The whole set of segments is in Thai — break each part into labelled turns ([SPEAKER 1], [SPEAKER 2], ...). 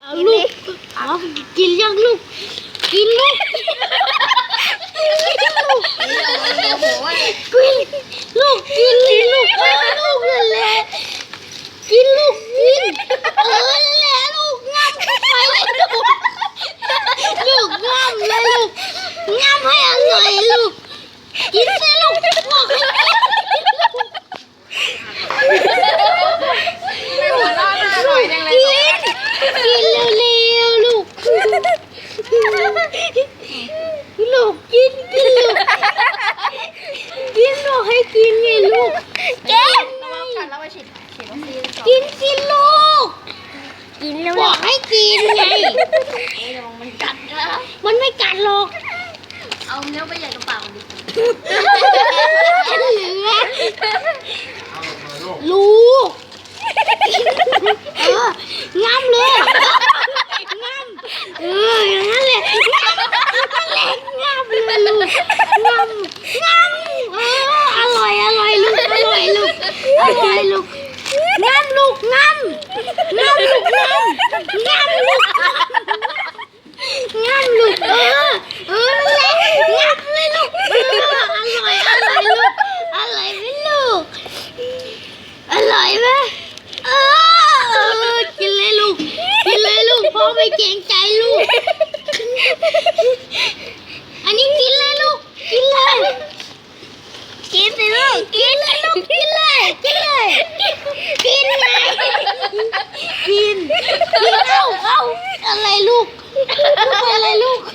[SPEAKER 1] ลูกเอากินยังลูกกินลูกกินลูกลูกกินลูกลูกนั่นแหละกินลูกกินนั่นแหละลูกงับเข้าไปเลยลูกงับเลยลูกงับให้อร่อยลูกกินสิลูกบอกให้กินเร็วๆลูกลูกกินลูกกินบอกให้กินไงลูกกินสิลูกกินแล้วบอกให้กินไงมันกัดนะมันไม่กัดหรอกเอาเนื้อไปใหญ่กระเป๋าดิลูกงามเลยงามอย่างนั้นแหละงามเลยลูกงามอร่อยลูกอร่อยลูกงามลูกงามลูกงามลูกงามลูกนั่นแหละงามเลยลูกอร่อยลูกอร่อยไหมลูกอร่อยไหมกินเลยลูกพ่อไม่เกรงใจลูกอันนี้กินเลยลูกกินเลยกินสิลูกกินเลยลูกกินเลยกินเลยกินไงกินเอาอะไรลูกอะไรลูก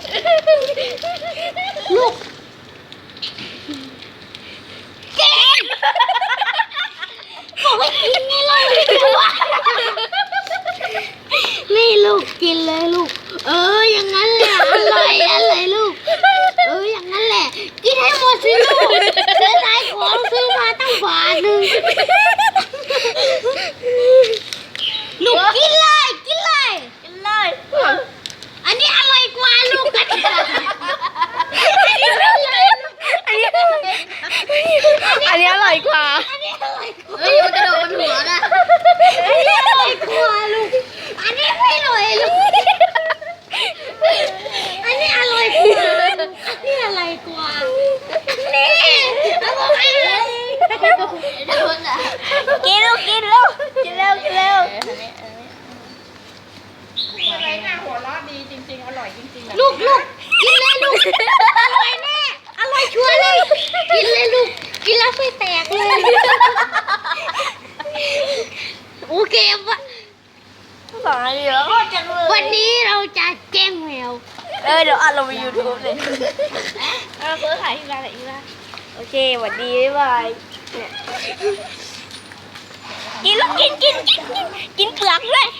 [SPEAKER 1] กินบอกให้กินไงลูกนี่ลูกกินเลยลูกอย่างนั้นแหละอร่อยลูกอย่างนั้นแหละกินให้หมดสิลูกเสียดายของซื้อมาตั้งบาทนึงลูกกินเลยอันนี้อร่อยกว่าลูกกัน
[SPEAKER 2] อันนี้อร่อยกว่า
[SPEAKER 1] เฮ้ยมันกระโดดบนหัวนะอันนี้อร่อยกว่าลูกอันนี้ไม่อร่อยลูกอันนี้อร่อยกว่านี่อะไรกว่านี่เอาบอกให้เลย
[SPEAKER 2] กินเร็ว
[SPEAKER 3] อะไรน่าหัวเราะดีจริงๆอร่อยจริงๆ
[SPEAKER 1] ลูกกินเลยลูกอร่อยแน่อร่อยชัวร์เลยกินเลยลูกกินแล้วไม่แตกเลยโอเควะวันนี้เราจะแกล้งแมว
[SPEAKER 2] เดี๋ยวอัดลงไป YouTube เลยเพื่อถ่ายที่ร้านไหนที่ร้านโอเคสวัสดีบ๊ายบายกินลูกกินเปลือกด้วย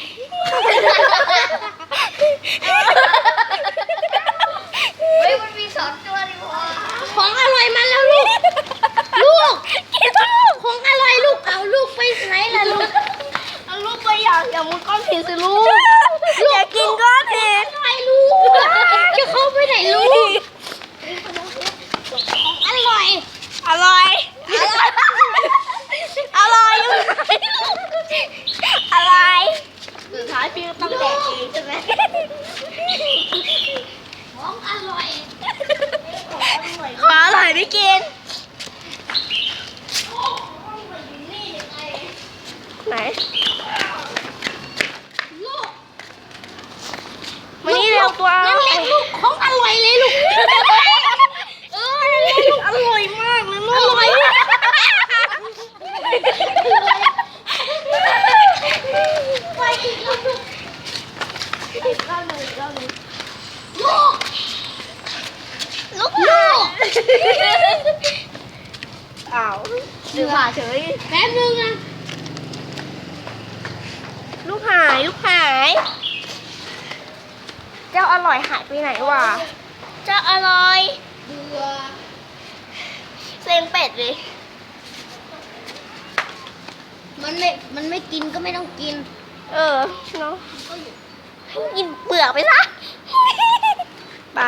[SPEAKER 1] เฮ้ยมันมี2 ตัวดิวะของอร่อยมาแล้วลูก
[SPEAKER 2] กินลูก
[SPEAKER 1] ของอร่อยลูกเอาลูกไปไหนล่ะลูก
[SPEAKER 2] เอาลูกไปอย่ามุดก้อนหินสิลูกอย่ากินก้อนหิน
[SPEAKER 1] ไปลูกจะเข้าไปไหนลูกของอร่อย
[SPEAKER 2] สุดท้ายพี่ก็ต้องแดกเองใช่ไหม
[SPEAKER 1] ของอร่อย
[SPEAKER 2] ไม่กินไหน
[SPEAKER 1] ลูก
[SPEAKER 2] มานี่เร็วตัว
[SPEAKER 1] นั่นแหละลูกของอร่อยเลยลูก
[SPEAKER 2] ลูกอร่อยมากเลยลูก
[SPEAKER 1] อร่อยไปอีกแล้วลูก
[SPEAKER 2] อ้าวดื้อผ่าเฉย
[SPEAKER 1] แป๊บนึงนะ
[SPEAKER 2] ลูกหายเจ้าอร่อยหายไปไหนวะเจ้าอร่อย
[SPEAKER 1] เบื่อ
[SPEAKER 2] เซ็งเป็ดเลย
[SPEAKER 1] มันไม่กินก็ไม่ต้องกิน
[SPEAKER 2] เนาะให้กินเปลือกไปซะ